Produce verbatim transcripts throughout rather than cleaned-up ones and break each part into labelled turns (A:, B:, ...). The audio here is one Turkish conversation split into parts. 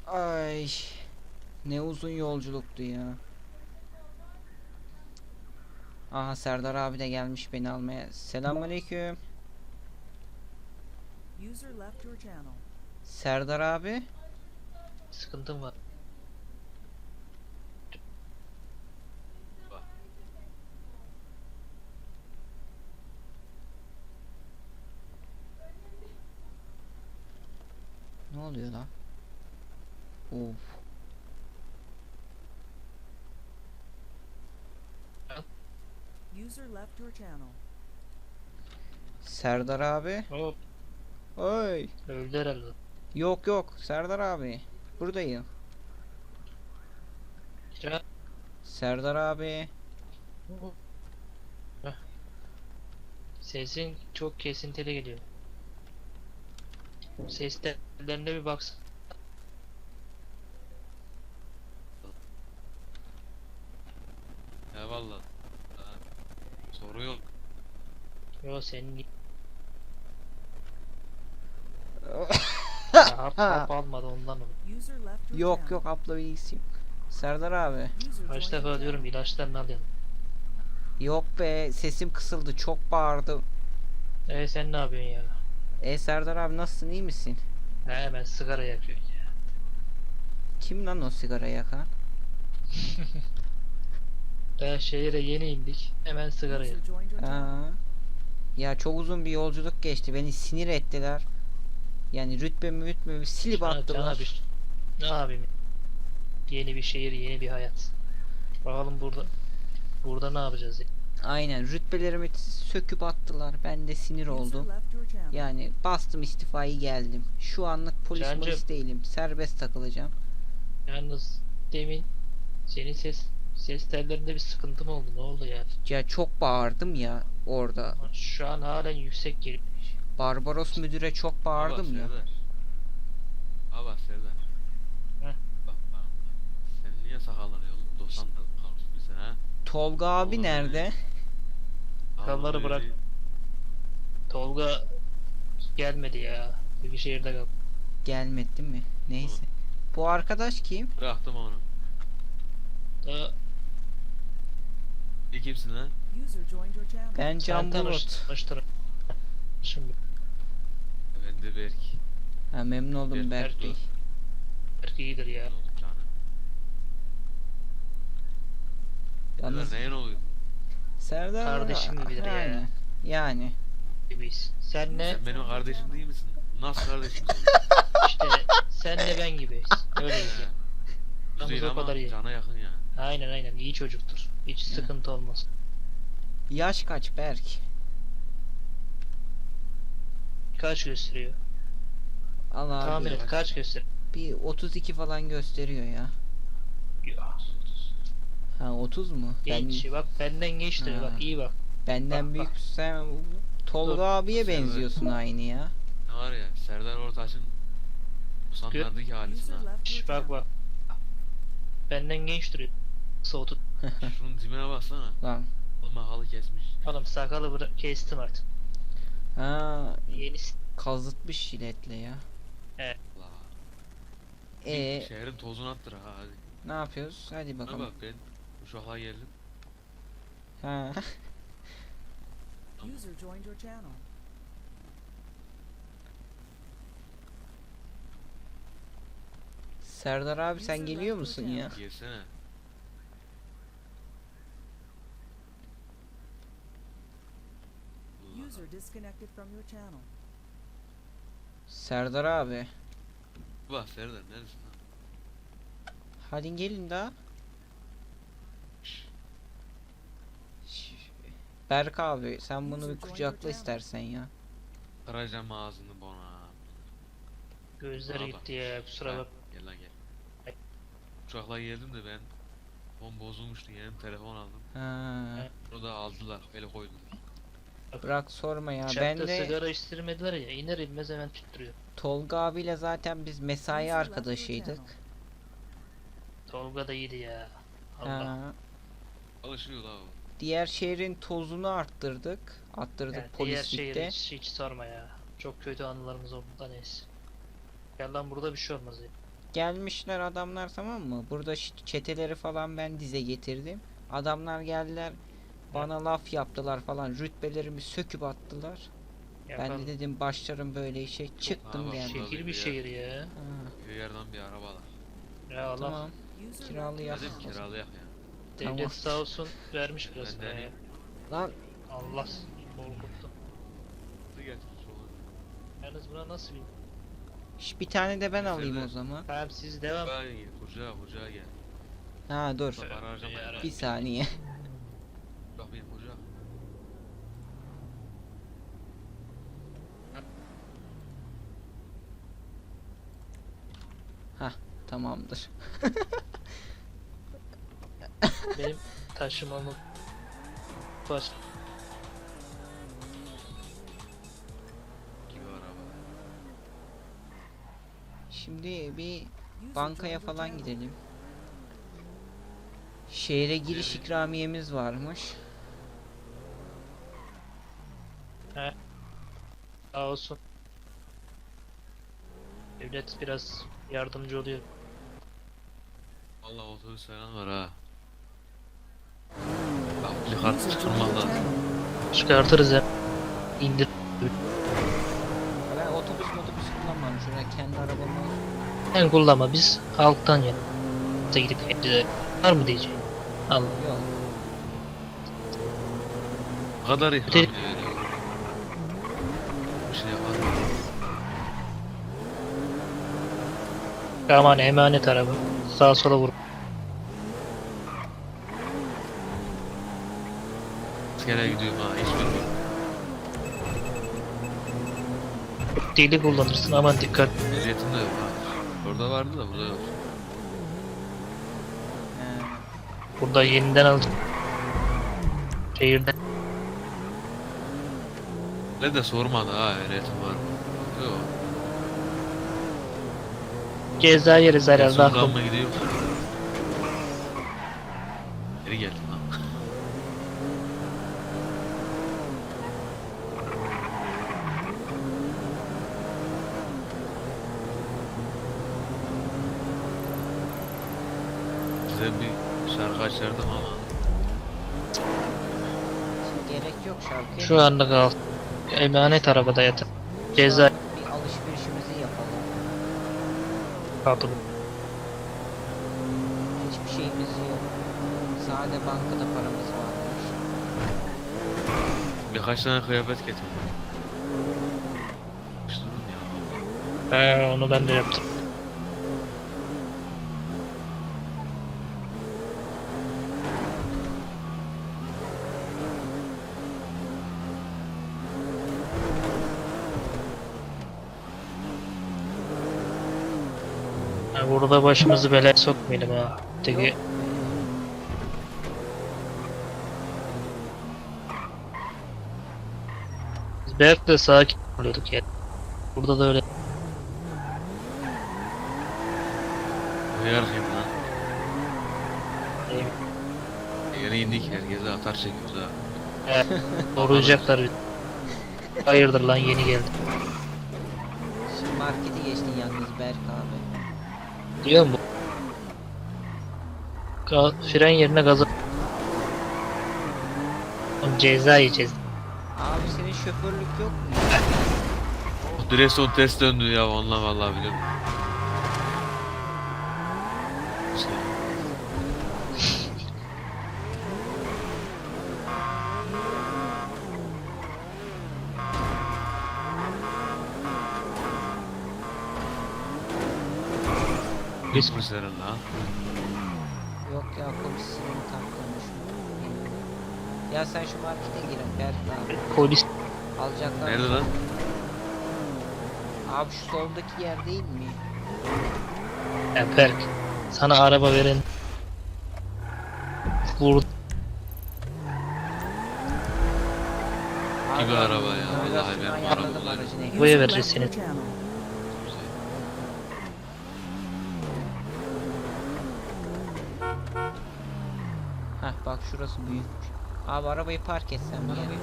A: Ay, ne uzun yolculuktu ya. Aha, Serdar abi de gelmiş beni almaya. Selamünaleyküm.
B: User left your channel.
A: Serdar abi.
C: Sıkıntım var.
A: Ne oluyor lan? Of.
B: User left your channel.
A: Serdar abi.
C: Hop,
A: Oy.
C: öldü herhalde.
A: Yok yok, Serdar abi. Buradayım.
C: Kira.
A: Serdar abi.
C: Heh. Sesin çok kesintili geliyor. Ses tellerine bir baksın.
D: Eyvallah. Ha, soru yok.
C: Yo senin ya, hap, hap almadı ondan olur.
B: User left your
A: Yok
B: channel.
A: yok, abla bilgisi yok. Serdar abi.
B: User
C: Kaç
B: joined your
C: defa diyorum
B: channel.
C: ilaçlarını alayım.
A: Yok be, sesim kısıldı, çok bağırdım.
C: E sen ne yapıyorsun ya?
A: E Serdar abi, nasılsın, iyi misin?
C: He, hemen sigara yakıyorsun ya.
A: Kim lan o sigara yakan?
C: Daha şehire yeni indik. Hemen sigara yak.
B: User joined your channel.
A: Aa, ya çok uzun bir yolculuk geçti, beni sinir ettiler. Yani rütbemi rütbemi silip
C: Cana-
A: attılar.
C: cana bir- Ne yapayım? Yeni bir şehir, yeni bir hayat. Bakalım burada. Burada ne yapacağız ya?
A: Aynen, rütbelerimi söküp attılar, ben de sinir
B: User
A: oldum.
B: left your channel.
A: Yani bastım istifayı, geldim. Şu anlık polis
C: Cancım.
A: polis değilim, serbest takılacağım.
C: Yalnız demin senin ses ses tellerinde bir sıkıntı mı oldu? Ne oldu ya?
A: Ya çok bağırdım ya orada.
C: Şu an halen yüksek geliyor.
A: Barbaros müdüre çok bağırdım ya.
D: Serdar. Aba Serdar.
C: Heh.
D: Bak bak. Senin niye sakalları oğlum? doksan da kalmış bize ha?
A: Tolga abi
D: Oğlum,
A: nerede?
C: Sakalları
D: Vallahi
C: bırak. Tolga gelmedi ya. Bir şehirde kal.
A: Gelmedi değil mi? Neyse. Bu arkadaş kim?
D: Bıraktım onu.
C: Da
D: İyi kimsin lan?
B: User joined your channel.
A: Ben Can
C: sen tanış,
A: Bulut.
C: tanıştır. Şimdi
D: Ben de Berk.
A: Ha, memnun oldum
D: Berk
A: Berk Bey.
D: Ertuğrul.
C: belki iyidir ya.
D: Ne oldu canım?
A: Yalnız
D: Serdar neyin oluyor?
A: Serdar
C: Kardeşim gibidir ya.
A: yani. Yani.
C: Gibiyiz. Sen ne?
D: Sen benim kardeşim değil misin? Nasıl kardeşim sen?
C: İşte sen de ben gibiyiz. Öyleyiz ya.
D: He.
C: Aramız
D: Güzel
C: o
D: ama
C: kadar iyi.
D: cana yakın ya.
C: Aynen aynen iyi çocuktur. Hiç
A: Ya.
C: sıkıntı olmaz.
A: Yaş kaç Berk?
C: Kaç gösteriyor?
A: Allah
C: Tahmin
A: abi.
C: et kaç gösteriyor?
A: Bir otuz iki falan gösteriyor ya.
C: Ya.
A: Ha, otuz mu?
C: Genç bak benden genç diyor
A: Ha.
C: bak iyi bak.
A: Benden
C: Bak,
A: büyük.
C: bak.
A: Sen Tolga
C: Dur.
A: abiye
D: Serdar.
A: benziyorsun aynı ya.
D: Ne var ya? Serdar Ortaç'ın doksanlardaki halisi
B: User
D: ha.
B: left your
C: Şş, bak
B: channel.
C: bak. Benden genç duruyor. Soğutu.
D: Şunun tipine baksana.
A: Lan.
D: Olma halı kesmiş.
C: Oğlum sakalı bıra- kestim artık.
A: Ha,
C: Yenisi.
A: kazıtmış jiletle ya.
D: Allah.
A: E
D: Şehrin tozunu attır ha hadi.
A: ne yapıyoruz? Hadi
D: Bana
A: bakalım.
D: bak ben Uşak'a geldim.
A: Ha.
B: User joined your channel.
A: Serdar abi, sen geliyor musun ya?
D: Gelsene. Allah.
B: User disconnected from your channel.
A: Serdar abi.
D: Bak Serdar neredesin lan?
A: Hadi gelin daha.
D: Şşş.
A: Şş, Berk abi, sen bunu bir kucakla istersen ya.
D: Kıracağım ağzını bona.
C: Gözleri
D: Bana
C: gitti
D: bak.
C: ya kusura
D: Ha,
C: bak.
D: Gel lan gel. Uçakla geldim de ben Telefon bozulmuştu, yeni bir telefon aldım.
A: Ha.
D: Onu da aldılar, ele koydular.
A: Bırak sorma ya.
C: Uçakta
A: Ben de
C: sigara içtirmediler ya iner inmez hemen tüttürüyor.
A: Tolga abiyle zaten biz mesai
B: User left your
A: arkadaşıydık.
B: channel.
C: Tolga da iyiydi ya. Allah.
A: Ha.
D: Alışıyor la o.
A: Diğer şehrin tozunu arttırdık. Attırdık
C: Yani diğer şehir
A: polislikte.
C: hiç, hiç sorma ya. Çok kötü anılarımız oldu da neyse. Gel lan burada bir şey olmaz ya.
A: Gelmişler adamlar, tamam mı? Burada ş- çeteleri falan ben dize getirdim. Adamlar geldiler. Bana laf yaptılar falan. Rütbelerimi söküp attılar. Ben
C: Yapan
A: de dedim başlarım böyle işe. Çıktım
D: bak,
A: geldim.
C: şehir bir şehir ya.
A: Ha,
D: Köy yerden bir arabalar.
C: Ya Allah,
A: tamam.
B: User
A: Kiralıyak.
D: Dedim kiralayak ya.
C: devlet
A: Tamam.
C: sağ olsun vermiş biraz
D: Ben de
C: ya.
A: Lan
C: Allah korkuttu.
D: Hızlı getir sola.
C: Yalnız buna nasıl bir...
A: şş, bir tane de ben
D: Bizde
A: alayım
D: de-
A: o zaman.
C: Tamam siz devam.
D: Ben gel. Kucağa kucağa gel.
A: Ha dur.
D: Para harcamayın.
C: Ya,
A: Bir saniye.
D: Bak benim kucağa.
A: Tamamdır.
C: Benim taşımamı baş...
D: Gibi araba.
A: Şimdi bir
B: user
A: bankaya
B: joined your
A: falan
B: channel.
A: gidelim. Şehre giriş
D: Şehre-
A: ikramiyemiz varmış.
C: Sağ olsun. Devlet biraz yardımcı oluyor.
D: Valla otobüs falan var ha. Bak bir kart
B: User joined
D: çıkarmak
B: your
D: lazım.
B: channel.
C: Çıkartırız ya. İndir.
A: Ben otobüs otobüs kullanmam. Şuraya kendi arabamı al.
C: Sen kullanma, biz halktan ya. Da gidip hepsi var mı diyeceğim. Allah.
A: Yok.
D: Ne kadar ihram
C: Öte-
D: veriyor. Bir şey yapar.
C: Aman emanet araba. Sağa sola vur.
D: Askere gidiyorum ha. Hiç bilmiyorum.
C: Deli kullanırsın, aman dikkat.
D: Ehliyetim de yok ha. Orada vardı da burada yok.
A: He.
C: Burada yeniden alacağım. Şehirden.
D: Ne de sormadı ha ehliyetim var mı? Yok.
C: Ceza yeriz herhalde.
D: Sultan
C: aklım.
D: mı gidiyor? Geri geldim lan. Size bir şarkı açardım ama
A: Şimdi gerek yok şarkıya.
C: Şu anda kal. Emanet arabada yatır. Ceza
A: Bir alışverişimizi yapalım.
C: kaldı.
A: Hiçbir şeyimiz yok. Sade bankada paramız varmış.
D: birkaç tane kıyafet getirdim. Yapıştırdım ya.
C: He, onu ben de yaptım. Ha, burada başımızı belaya sokmayalım ha. Teki biz Berk'le sakin oluyorduk ya. Burada da öyle.
D: Hıyar kim lan?
C: Değil.
D: Yeni indik herkese atar çekiyoruz ha.
C: He, koruyacaklar bizi. Hayırdır lan, yeni geldi.
A: Şimdi marketi geçtin yalnız Berk abi.
C: Diyor mu? Ga fren yerine gaza... Oğlum ceza yiyeceğiz.
A: Abi senin şoförlük yok mu?
D: O direksiyon ters döndü ya onunla vallahi biliyorum. Şey,
C: Biz
D: polislerin lan.
A: Yok ya, polis sireni taktırmış. Ya sen şu markete girin Berk abi.
C: polis
A: Alacaklar.
D: Nerede lan?
A: Abi şu soldaki yer değil mi?
C: ya Berk. Sana araba veren vurdu.
D: Gibi
A: Abi,
D: araba ya, vallahi
A: navigasyonu
D: ben bu
A: ayarladım
D: arabaları-
A: aracın ekranı.
C: Buraya
B: User
C: vereceğiz
B: left your
C: seni.
B: channel.
A: Heh bak şurası büyükmüş. Abi arabayı park etsem bir yere.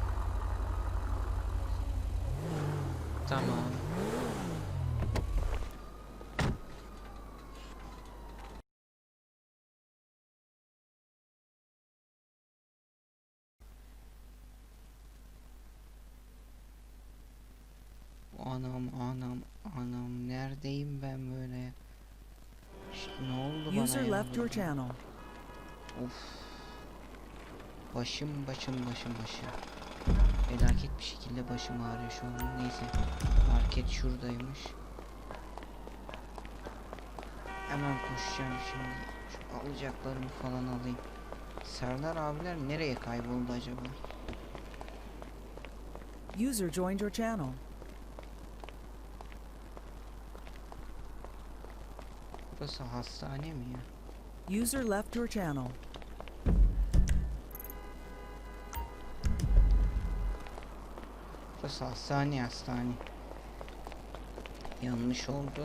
A: Tamam. Anam anam anam neredeyim ben böyle ya? İşte ne oldu bana
B: User
A: ya
B: left your
A: burada?
B: channel.
A: Of. Başım başım başım başım. Felaket bir şekilde başım ağrıyor şu an. Neyse. Market şuradaymış. Hemen koşacağım şimdi. Şu alacaklarımı falan alayım. Serdar abiler nereye kayboldu acaba?
B: User joined your channel.
A: Burası hastane mi ya?
B: User left your channel.
A: Burası hastane hastane. Yanlış oldu.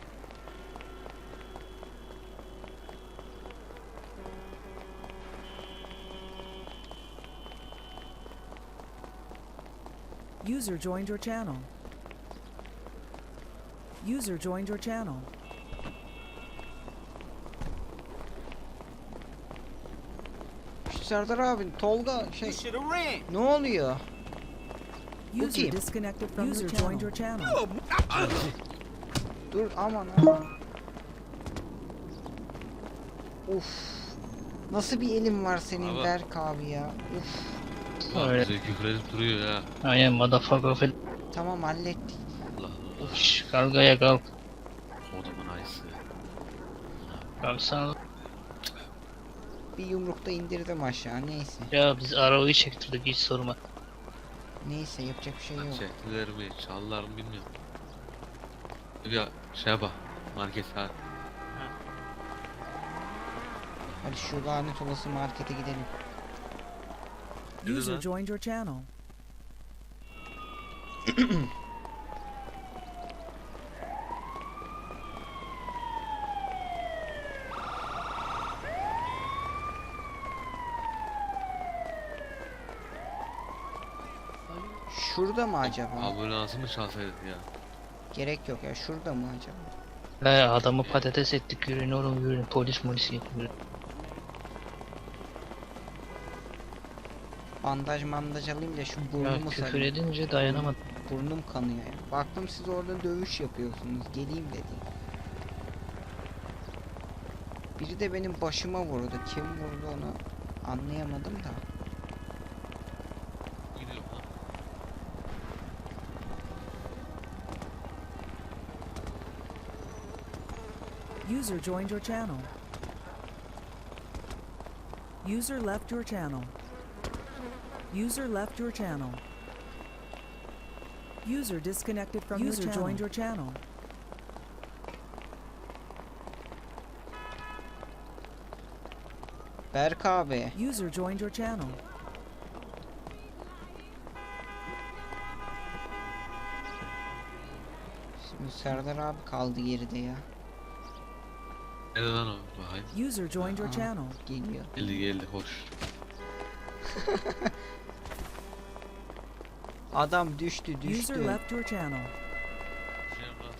B: User joined your channel. User joined your channel.
A: Şu Serdar abi, Tolga şey. Ne oluyor?
B: User
A: kim?
B: disconnected from User joined your channel.
A: Dur aman aman. Uf. Nasıl bir elin var senin
D: Abi.
A: Berk abi ya? Uf.
D: Bak
C: Öyle.
D: bize küfür edip duruyor ya.
C: Aynen motherfucker falan.
A: Tamam hallettik.
D: Allah Allah.
C: Şşş kalkaya kalk.
D: Odamın ayısı.
C: Kalksana.
A: Bir yumrukta indirdim aşağı. Neyse.
C: Ya biz arabayı çektirdik hiç sorma.
A: Neyse yapacak bir şey yok.
D: Çektiler mi, çaldılar mı bilmiyorum. Bir şey bak. Market ha.
A: Hadi şu lanet olası markete gidelim.
D: Yürü
B: User
D: lan.
B: joined your channel.
A: Şurada mı acaba?
D: Ambulansı mı çalsaydık ya?
A: Gerek yok ya. Şurada mı acaba?
C: He adamı patates ettik yürüyün oğlum yürüyün polis molis getiriyor.
A: Bandaj mandaj alayım da şu
C: Ya
A: burnumu
C: küfür
A: sarayım.
C: edince dayanamadım.
A: Burnum kanıyor ya. Baktım siz orada dövüş yapıyorsunuz. Geleyim dedim. Biri de benim başıma vurdu. Kim vurdu onu anlayamadım da.
D: Gidiyor lan.
B: User joined your channel. User left your channel. User left your channel. User disconnected from User your channel. Joined your channel.
A: Berk abi.
B: User joined your channel.
A: Şimdi Serdar abi kaldı geride ya.
D: Nerede lan o? Bakayım.
B: User joined your
A: Aha.
B: channel.
A: Geliyor.
D: Geldi geldi hoş.
A: Adam düştü
B: User
A: düştü.
B: left your channel.
D: Şey yapmaz.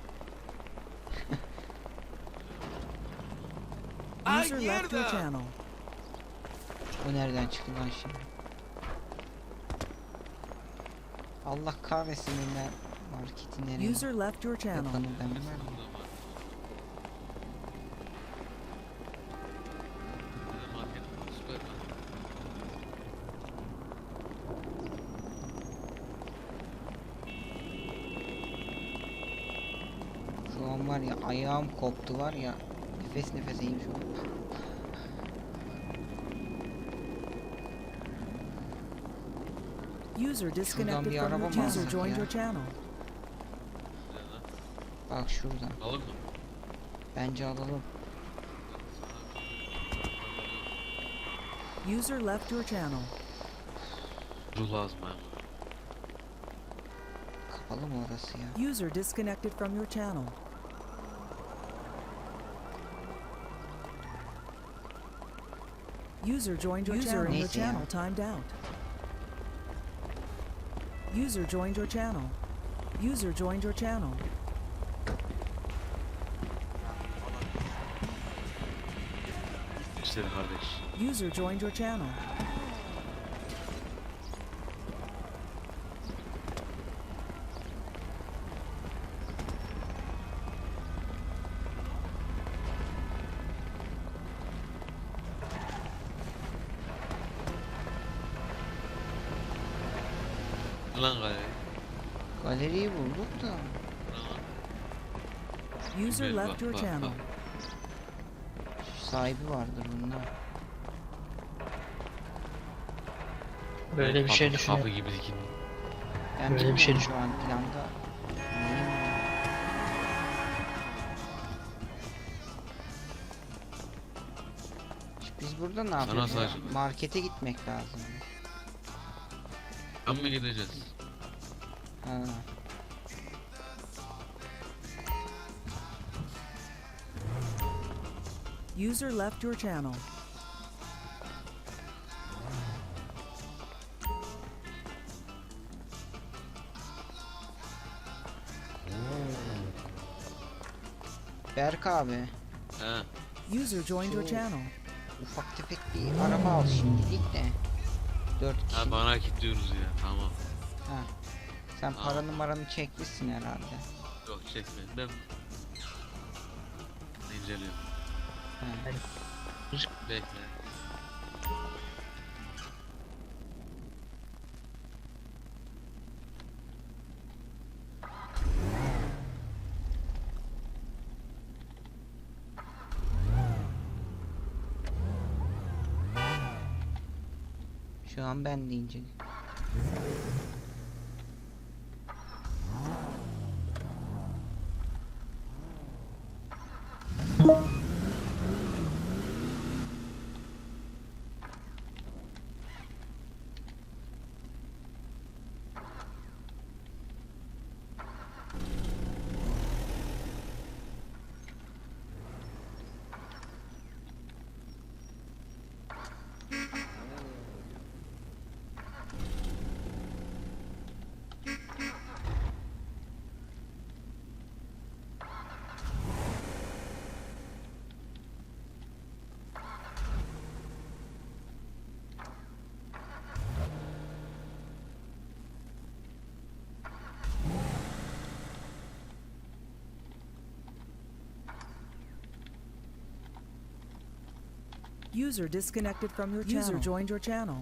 B: User left your channel.
A: O nereden çıktı lan şimdi? Allah kahretsin ben marketi nereye
B: User left your channel.
A: yapanı ben
D: Kesin
A: var.
D: burada var. Nerede market? Süper lan.
A: Şu an var ya ayağım koptu var ya. Nefes nefeseyim şu an.
B: User disconnected
A: bir
B: from
A: araba
B: your
A: mı
B: channel. User
A: alsak
B: joined
A: ya?
B: your channel.
D: Güzel lan.
A: Bak şuradan.
D: Alır mı?
A: Bence alalım.
B: User left your channel.
D: Ruh lazım ha.
A: Kapalı mı orası ya?
B: User disconnected from your channel. User joined your channel. Your
A: Neyse ya.
B: channel timed out. User joined your channel. User joined your channel.
D: İşte kardeş.
B: User joined your channel.
D: lan galeri.
A: Galeriyi bulduk da.
D: Bura.
B: User
D: Bak,
B: left your
D: bak,
B: channel.
D: bak.
A: Sahibi vardır bunlar.
C: Böyle bir şey
D: Kapı-
C: düşünüyorum.
D: Kapı gibi dikin.
A: Ben
C: Böyle bir şey
A: bilmiyorum şu an planda. Neyim var? Biz burada ne yapıyoruz ya?
D: sadece-
A: Markete gitmek lazım.
D: Ben mi gideceğiz?
A: Ha.
B: User left your channel.
A: Berk abi,
D: He.
B: User joined your
A: Şu-
B: channel.
A: ufak tefek bir araba al şimdilik de. Dört kişi.
D: Ha bana kilitliyoruz ya. Tamam.
A: Ha. Sen
D: Aa.
A: para numaranı çekmişsin herhalde.
D: Yok çekme. Ben inceliyorum.
A: Ha.
D: Bekle.
A: Şu an ben de inceliyorum.
B: User disconnected from your channel. User joined your channel.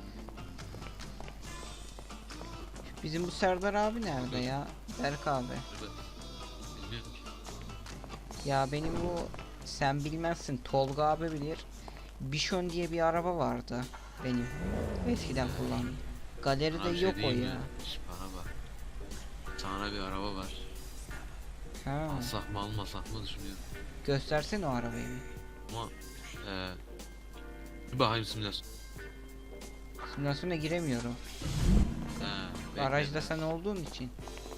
A: Bizim bu Serdar abi nerede ya? Berk abi.
D: Burada. Bilmiyorum ki.
A: Ya benim bu, sen bilmezsin, Tolga abi bilir. Bishon diye bir araba vardı benim. Eskiden kullandığım. Galeride
D: Sana bir şey
A: yok o
D: diyeyim mi?
A: ya.
D: Şş, bana bak. Sana bir araba var.
A: Ha.
D: Alsak mı almasak mı düşünüyorum.
A: Göstersene o arabayı bir.
D: Ama eee bir bakayım simülasyon.
A: Simülasyona giremiyorum.
D: He, bekle.
A: Aracda sen olduğun için.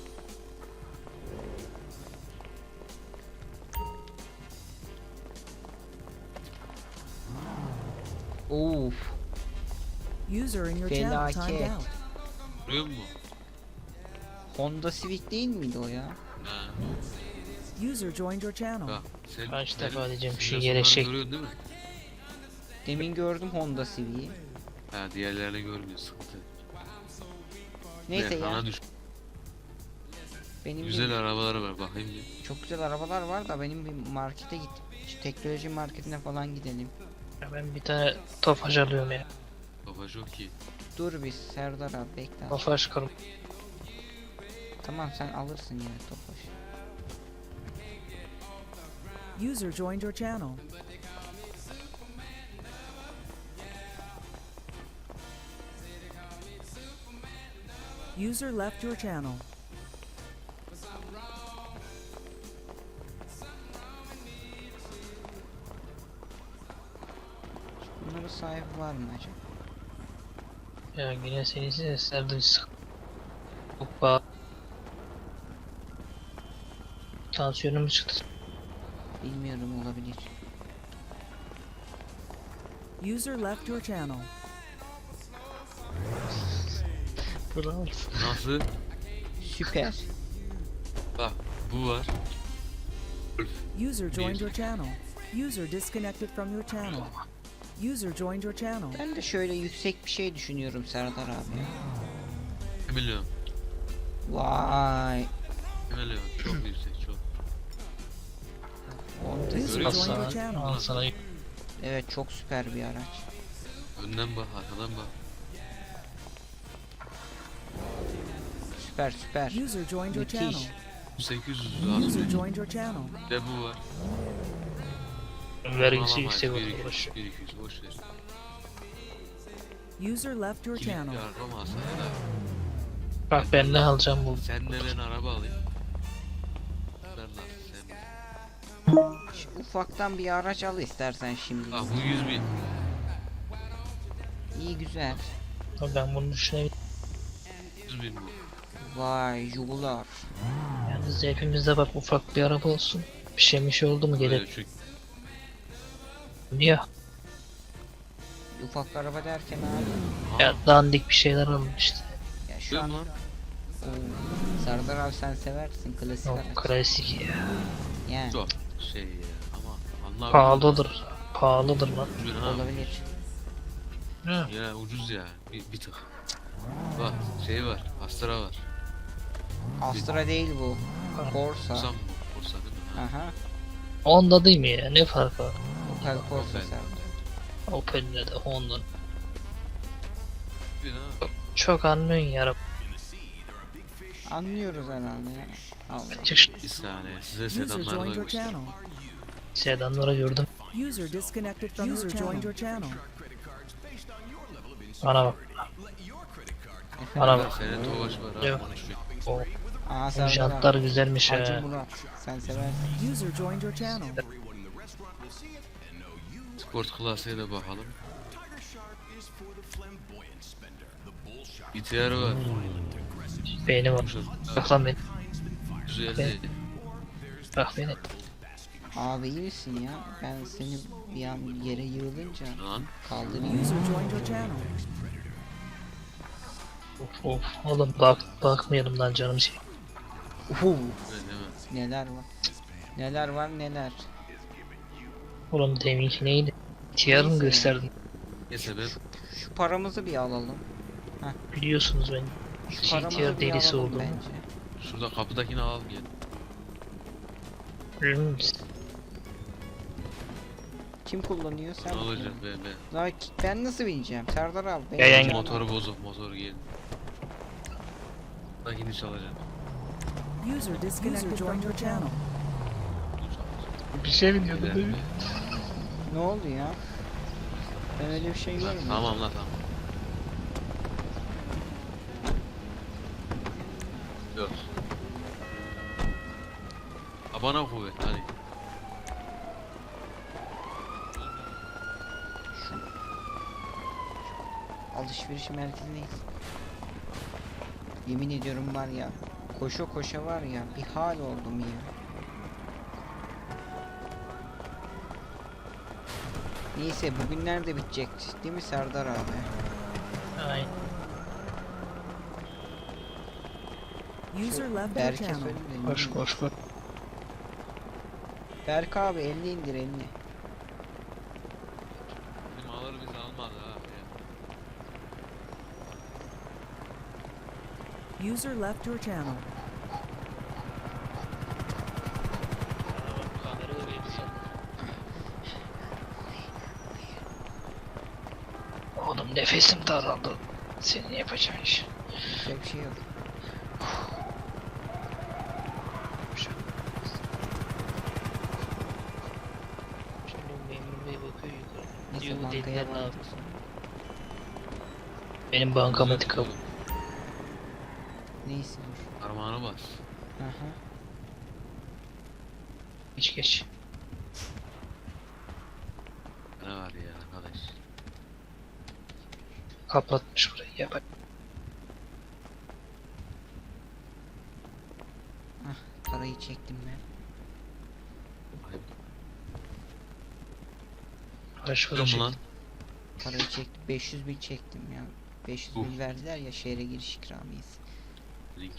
A: Of.
B: User in your channel timed
A: Felaket.
B: out.
D: Görüyor musun?
A: Honda Civic değil miydi o ya?
D: He.
B: User joined your channel.
D: Bak sen
C: Kaç
D: benim
C: defa diyeceğim şu
D: simülasyonları
C: yere şey.
D: görüyorsun değil mi?
A: Demin gördüm Honda Civic'i.
D: He diğerlerini görmüyor sıkıntı.
A: Neyse
D: Ben
A: ya.
D: sana düş.
A: Benim
D: Güzel
A: bir,
D: arabaları var bakayım bir.
A: çok güzel arabalar var da benim bir markete git. Şu teknoloji marketine falan gidelim.
C: Ya ben bir tane Tofaş alıyorum ya.
D: Baba çok iyi.
A: Dur bir Serdar abi bekle.
C: Tofaş karım.
A: Tamam sen alırsın yine Tofaş.
B: User joined your channel. User left your channel.
A: Bunların sahibi var mı acaba?
C: Ya yine seni seslerden sık. Hoppa. Tansiyonum mu çıktı?
A: Bilmiyorum, olabilir.
B: User left your channel.
C: Bravo.
D: Nasıl?
A: Süper.
D: Bak bu var. Golf.
B: User joined
D: Bir.
B: your channel. User disconnected from your channel. User joined your channel.
A: Ben de şöyle yüksek bir şey düşünüyorum Serdar abi.
D: bir milyon.
A: Vay.
D: bir milyon. Çok yüksek çok.
A: Honda
B: User
A: Civic.
C: Al
B: joined your
C: sana,
B: channel.
C: al sana.
A: Evet, çok süper bir araç.
D: Önden bak arkadan bak.
A: süper süper.
B: User joined your channel.
A: Müthiş.
D: sekiz yüz
B: User
D: lazım.
B: joined your channel.
D: Bir de bu var.
C: Vergisi
D: Alamayız.
C: yüksek
D: Bir
C: olur.
D: iki
C: Boş.
D: yüz, bir iki yüz boş ver.
B: User left your
D: Kilitli
B: channel.
D: araba mı alsana da?
C: Bak ben ne alacağım bu.
D: Senle ben araba alayım. Ben nasıl sen?
A: Şu ufaktan bir araç al istersen şimdi.
D: Ah bu yüz bin.
A: İyi güzel.
C: Ben bunu düşünebilirim.
D: yüz bin bu.
A: Vay Jugular.
C: Yalnız hepimizde bak ufak bir araba olsun. Bir şey bir şey oldu mu
D: Böyle
C: gelir.
D: çünkü
C: Niye?
A: Ufak araba derken abi.
C: Ya dandik bir şeyler alın işte.
A: Ya şu
D: Değil
A: an
D: mi lan?
A: Oo, Serdar abi sen seversin klasik
C: O
A: araç.
C: klasik ya.
A: Yani
D: Çok şey ya ama anla
C: Pahalıdır. Pahalıdır lan.
D: Ucuz ha.
A: olabilir.
C: Hı.
D: Ya ucuz ya bir, bir tık. Bak şey var Astra var.
A: Astra değil bu. Corsa.
D: Korsa mı? Korsa değil mi? Ha.
A: Aha.
C: Honda değil mi ya? Ne farkı var?
A: Opel Corsa
D: Opel.
A: Serdar.
C: Opel'le de Honda'nın.
D: Bir ha.
C: Çok anlıyorsun ya.
A: Anlıyoruz herhalde ya. Allah.
C: Çık şu
D: Bir saniye size
B: User
D: sedanları
B: joined
D: da
B: your
D: göstereyim.
B: channel.
C: sedanları gördüm.
B: User disconnected from User joined your channel.
C: Bana bak.
A: Efendim?
C: Bana bak.
D: Senin Tofaş var
C: Yok.
D: ha. konuşuyor.
C: O
A: Aa
C: bu
A: Serdar
C: jantlar
A: abi.
C: güzelmiş
A: Hacı
C: ha.
A: Murat. Sen seversin.
B: User joined your channel.
D: Sport klaseye de bakalım. B T R var.
C: Beynim var. Bak lan beni.
D: Güzeldi.
C: Bak beni.
A: Abi iyi misin ya? Ben seni bir an yere yığılınca
D: Lan.
A: kaldırayım.
B: User joined your channel.
C: Of of. Oğlum bak bakmayalım lan canım şey.
A: Uhu.
D: Ne deme.
A: Neler var? Neler var neler.
C: Oğlum deminki neydi? Tiyarı mı gösterdin?
D: Neyse ben
A: Şu paramızı bir alalım.
C: Biliyorsunuz ben.
A: Şu
C: Şey,
A: paramızı
C: tiyar
A: bir
C: delisi
A: alalım
C: oldum.
A: bence.
D: şurada kapıdakini alalım gel.
C: Hmm,
A: Kim kullanıyor sen?
D: Ne
A: mi
D: olacak
A: kullanıyorsun?
D: ben ben.
A: Lan ben nasıl bineceğim? Serdar abi. ben
C: Ya yan-
A: bineceğim
D: Motoru
A: abi.
D: bozuk motoru gel. Dakini çalacağım.
B: User disconnected from your channel.
C: Bir şey mi diyordun
D: Güzel
C: değil mi?
D: mi?
A: Ne oldu ya? Ben öyle bir şey
D: Lan,
A: görmedim.
D: tamam lan tamam. Yok. Abana kuvvet hadi.
A: Alışveriş merkezindeyiz. Yemin ediyorum var ya. Koşa koşa var ya. Bir hal oldum ya. Neyse bugünler de bitecek. Değil mi Serdar abi?
C: Aynen.
B: User left your
A: Berke
B: channel.
A: söyle de
C: Koş
A: ne-
C: koş koş.
A: Berk abi elini indir elini.
D: Bizim alır biz almadı ha. Ya.
B: User left your channel.
C: Oğlum nefesim daraldı. Senin yapacağın iş.
A: Yapacak bir şey yok.
C: Şimdi memur bey bakıyor yukarı.
A: Neyse
C: Diyor bu
A: bankaya
C: dediler ne
A: bağlı.
C: yapıyorsun? Benim bankamatik al.
A: Neyse dur.
D: Parmağına bas.
A: Aha.
C: Geç geç.
D: Ne var ya arkadaş.
C: Kapatmış burayı. Ya bak.
A: Parayı çektim ben.
C: Kaç para
D: Dur mu
C: çekti?
D: lan?
A: Parayı çektim. beş yüz bin çektim ya. beş yüz
D: Uf.
A: bin verdiler ya şehre giriş ikramiyesi.
D: Link.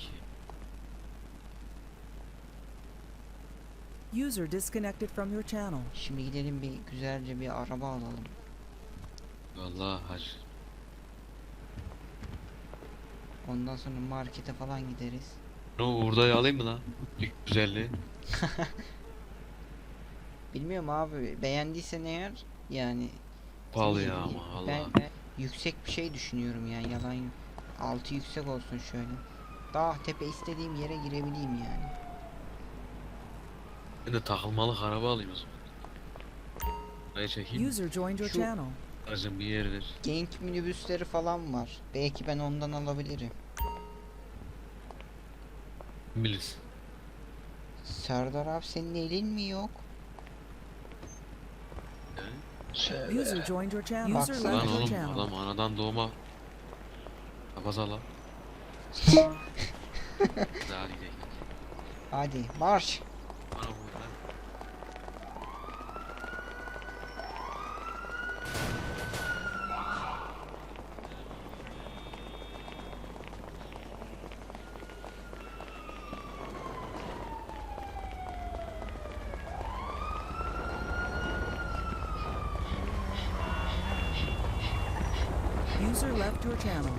B: User disconnected from your channel.
A: Şimdi gidelim bir güzelce bir araba alalım.
D: Vallahi hac.
A: Ondan sonra markete falan gideriz.
D: Ne o Uğur'dayı alayım mı lan? İlk güzelliği.
A: Bilmiyorum abi beğendiysen eğer yani
D: Pahalı
A: iyi-
D: ya
A: iyi.
D: ama
A: Ben,
D: Allah.
A: ben yüksek bir şey düşünüyorum yani yalan yok. Altı yüksek olsun şöyle. Dağ tepe istediğim yere girebileyim yani.
D: Ben de takılmalık araba alayım o zaman. Buraya çekeyim.
B: User joined your
A: Şu-
B: channel.
D: Aracın bir yeridir.
A: Genk minibüsleri falan var. Belki ben ondan alabilirim.
D: Kim bilir.
A: Serdar abi senin elin mi yok?
D: Yani.
C: Şöyle.
B: User joined your channel. User
A: Baksana.
B: left
D: Lan
B: your
D: oğlum
B: channel.
D: adam anadan doğma kapaza lan. Daha gidelim.
A: Hadi marş.
D: Bana bu lan.
B: User left your channel.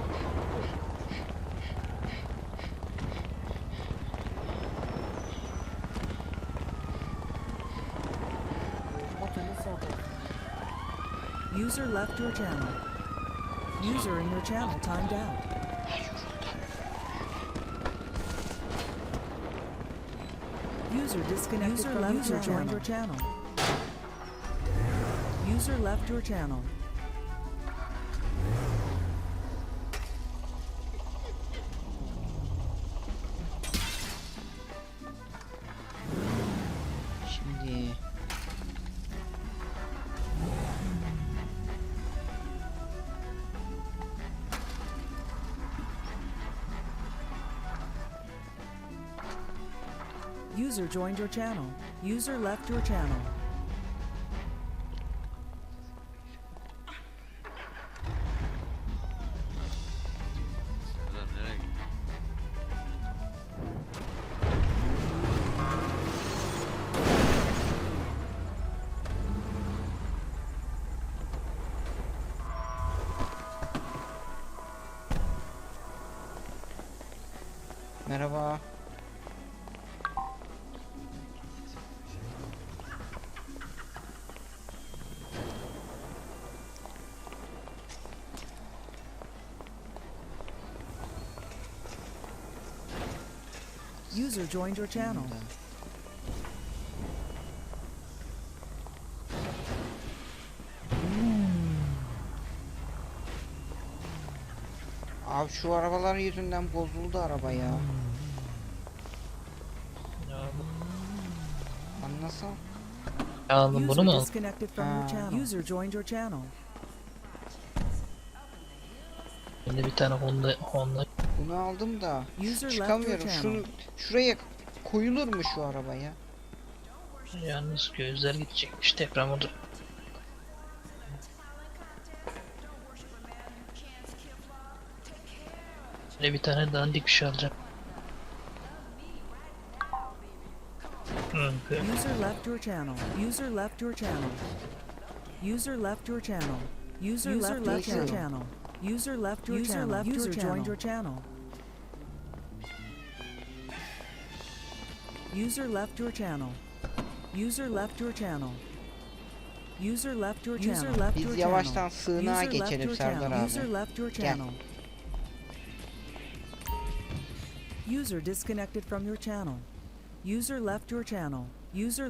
B: User left your channel. User in your channel timed out. User disconnected
A: User
B: from
A: left
B: user
A: your
B: joined your channel. User left your channel.
A: Şimdi
B: User joined your channel. User left your channel.
D: Serdar nereye gitti?
A: merhaba.
B: User joined your channel.
A: Şimdi. Abi şu arabalar yüzünden bozuldu araba ya.
C: Ya bu-
A: Anlasam.
C: Aldım bunu
B: User
C: mu?
B: disconnected from your
A: Ha.
B: channel. User joined your channel.
C: Şimdi bir tane Honda Honda
A: Bunu aldım da
B: User left your
A: çıkamıyorum.
B: channel.
A: Şunu şuraya koyulur mu şu arabaya?
C: yalnız gözler gidecekmiş deprem oldu. Böyle bir tane dandik bir şey alacağım. Hı, böyle.
B: User left your channel. User left your channel. User left your channel. User left your
A: your
B: channel. User left your channel. User joined your channel. User left your channel. User left your channel. User left your channel. User left
A: Biz
B: your
A: yavaştan
B: channel.
A: sığınağa
B: User left
A: geçelim
B: your
A: Serdar
B: channel. User
A: abi.
B: left your
A: Gel.
B: channel. User disconnected from your channel. User left your channel. User